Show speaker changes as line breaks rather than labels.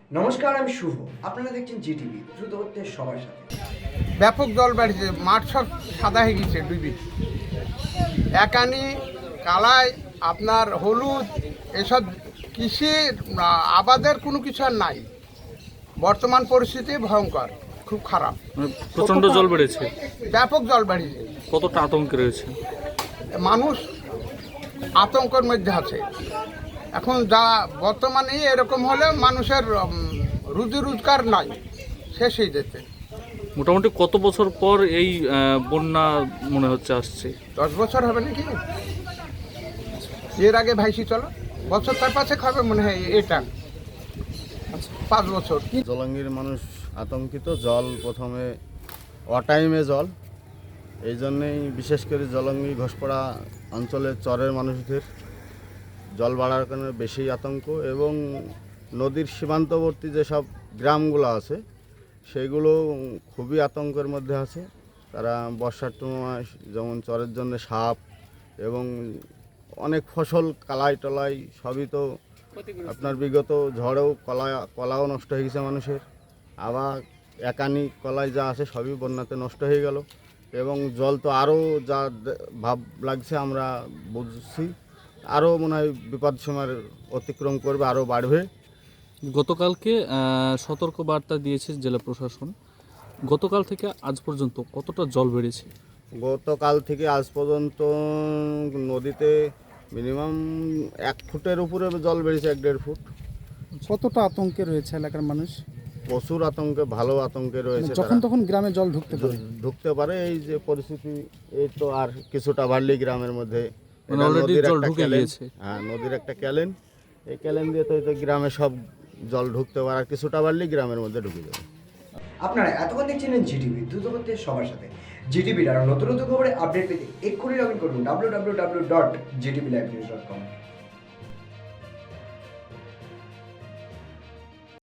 নমস্কার, আমি শুভ। আপনারা দেখছেন জিটিভি, দ্রুত হচ্ছে সবার সাথে।
ব্যাপক জল বাড়ছে, মাঠ সব সাদা হয়ে গেছে ডুবি। একানি কালাই আপনার হলুদ এসব কৃষি আবাদের কোনো কিছু আর নাই। বর্তমান পরিস্থিতি ভয়ঙ্কর, খুব খারাপ,
প্রচন্ড জল বেড়েছে।
ব্যাপক জল বাড়িয়েছে।
কতটা আতঙ্কে রয়েছে
মানুষ আতঙ্কের মধ্যে আছে। এখন যা বর্তমানে এরকম হলে মানুষের রুজি রোজগার নাই, শেষ হয়ে যেতে।
মোটামুটি কত বছর পর এই বন্যা মনে হচ্ছে আসছে?
10 বছর হবে নাকি, এর আগে ভাইসি চলো বছর তার পাশে খাবে মনে হয় এটা 5 বছর।
জলঙ্গির মানুষ আতঙ্কিত। জল প্রথমে অটাইমে জল, এই জন্যেই বিশেষ করে জলঙ্গি ঘোষপাড়া অঞ্চলের চরের মানুষদের জল বাড়ার কারণে বেশি আতঙ্ক। এবং নদীর সীমান্তবর্তী যেসব গ্রামগুলো আছে সেগুলো খুবই আতঙ্কের মধ্যে আছে। তারা বর্ষার সময় যেমন চরের জন্য সাপ এবং অনেক ফসল কালাই টলাই সবই তো আপনার বিগত ঝড়েও কলাও নষ্ট হয়ে গেছে মানুষের। আবার একানি কলাই যা আছে সবই বন্যাতে নষ্ট হয়ে গেল। এবং জল তো আরও যা ভাব লাগছে আমরা বুঝছি, আরও মনে হয় বিপদ সময় অতিক্রম করবে, আরও বাড়বে।
গতকালকে সতর্ক বার্তা দিয়েছে জেলা প্রশাসন। গতকাল থেকে আজ পর্যন্ত কতটা জল বেড়েছে?
গতকাল থেকে আজ পর্যন্ত নদীতে মিনিমাম 1 ফুটের উপরে জল বেড়েছে, 1-1.5 ফুট।
কতটা আতঙ্কে রয়েছে এলাকার মানুষ?
প্রচুর আতঙ্কে, ভালো আতঙ্কে রয়েছে।
যখন তখন গ্রামে জল ঢুকতে পারে।
ঢুকতে পারে। এই যে পরিস্থিতি, এই তো আর কিছুটা বাড়লেই গ্রামের মধ্যে
মানে
এটা
already
নদীর
জল
একটা
ঢুকে
ক্যালেন।
গিয়েছে।
হ্যাঁ, নদীর একটা ক্যালেন। এই ক্যালেন দিয়ে তো গ্রামে সব জল ঢুকতে পারে, আর কিছুটা বাড়লেই গ্রামের মধ্যে ঢুকে যাবে।
আপনারা এতক্ষণ দেখছিলেন জিটিভি, দ্রুত হচ্ছে সবার সাথে। জিটিভির আরও নতুন নতুন খবরে আপডেট পেতে এক্ষুনি লগ ইন করুন www.gtblivenews.com।